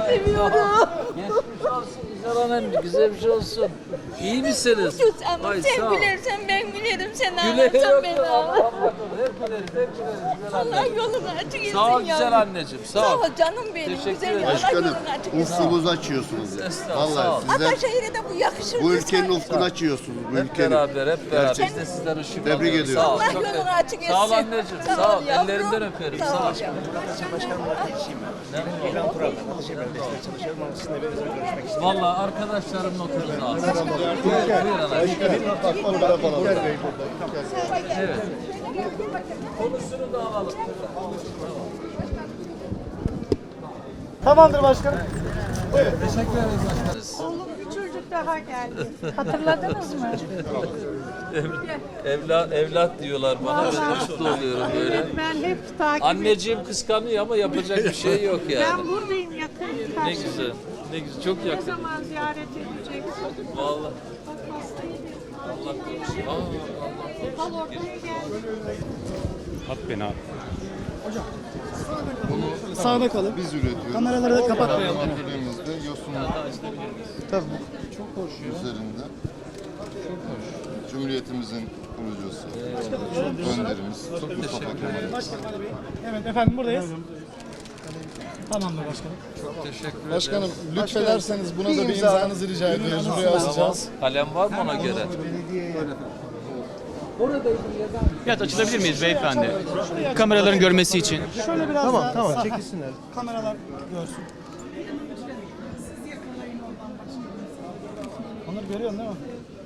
seviyorum. Geçmiş olsun güzel hanım, güzel bir şey olsun. İyi misiniz? Ama Ay, sen sağ ol. gülersen ben gülerim. Sen Güle ağlarsan ben ağlarım. Hep güleriz, hep güleriz. Güzel Allah anneciğim. yolunu açık etsin Sağ ol yavrum. güzel anneciğim, sağ Sağ ol. ol canım benim. Teşekkür Güzel ederim. Allah Başkanım, yolunu açık etsin. ufkunuzu açıyorsunuz ya. Estağfurullah, sağ ol. Vallahi sizler Ataşehir'e de bu yakışır. bu ülkenin ufkunu açıyorsunuz. Bu Hep ülkenin. beraber, hep beraber. Biz Gerçekten. de sizden ışık Tebrik alıyoruz. ediyorum. Sağ ol, Allah çok yolunu teşekkür- açık etsin. Sağ ol anneciğim, sağ ol. yavrum. Ellerinden öperim, Sağ sağ ol. ol yavrum. Valla arkadaşlarımla otururuz ağzına. Buyur anacığım. Evet. Konusunu da alalım. Tamamdır başkanım. Teşekkür ederiz başkanız. Oğlum bir çocuk daha geldi. Hatırladınız mı? Evlat diyorlar bana. Ben de mutlu oluyorum böyle. Evet, ben hep takip Anneciğim kıskanıyor ama yapacak bir şey yok Ben yani. buradayım yakın. Ne karşıda. güzel. Ne güzel. Çok Ne yakın. zaman ziyaret edeceksin? Vallahi. Bak hastaydı. Allah korusun. Allah Al ortaya gel. At beni abi. Sağda kalın. Biz üretiyoruz. Kameraları da kapatmayalım. Atölyemizde yosun Tabii. üzerinde. Cumhuriyetimizin kurucusu, önderimiz Mustafa Kemal. Evet efendim buradayız. Tamamdır başkanım. teşekkür ederim. Başkanım lütfederseniz buna da bir imzanızı rica ediyoruz. Buraya asacağız. Kalem var mı ona göre? Evet açılabilir miyiz beyefendi? Kameraların görmesi için. Şöyle biraz daha. Tamam çekilsinler. Kameralar görsün. Onları görüyorsun değil mi?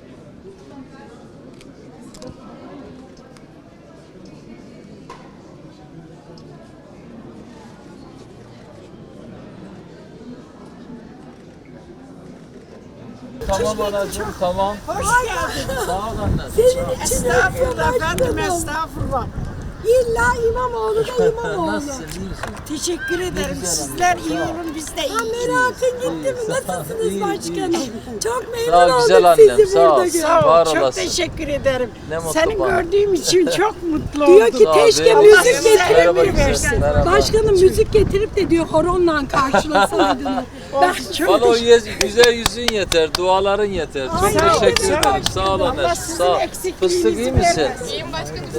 Tamam anacığım tamam. Hoş geldin. Sağ ol anne. Estağfurullah efendim estağfurullah. İlla İmamoğlu da İmamoğlu. Nasılsın iyi misin? Teşekkür ederim. Sizler iyi olun biz de iyi. Merakın gitti mi? Nasılsınız başkanım? Çok memnun Sağ ol oldum güzel annem sizi sağ ol. burada görmek. Sağ Var ol. Çok olasın. teşekkür ederim. Ne mutlu Seni bana. gördüğüm için çok mutlu Diyor oldum. ki Sağ ol, keşke benim müzik güzel. getirip Merhaba mi güzel, versin? merhaba. Başkanım müzik getirip de diyor horonla karşılasaydın. Ben çok Bana o güzel yüzün yeter, duaların yeter. Çok Sağ ol, teşekkür sağ ol. ederim. Sağ ol Allah anne. sizin Sağ ol. eksikliğinizi Fıstık iyi misin? vermesin.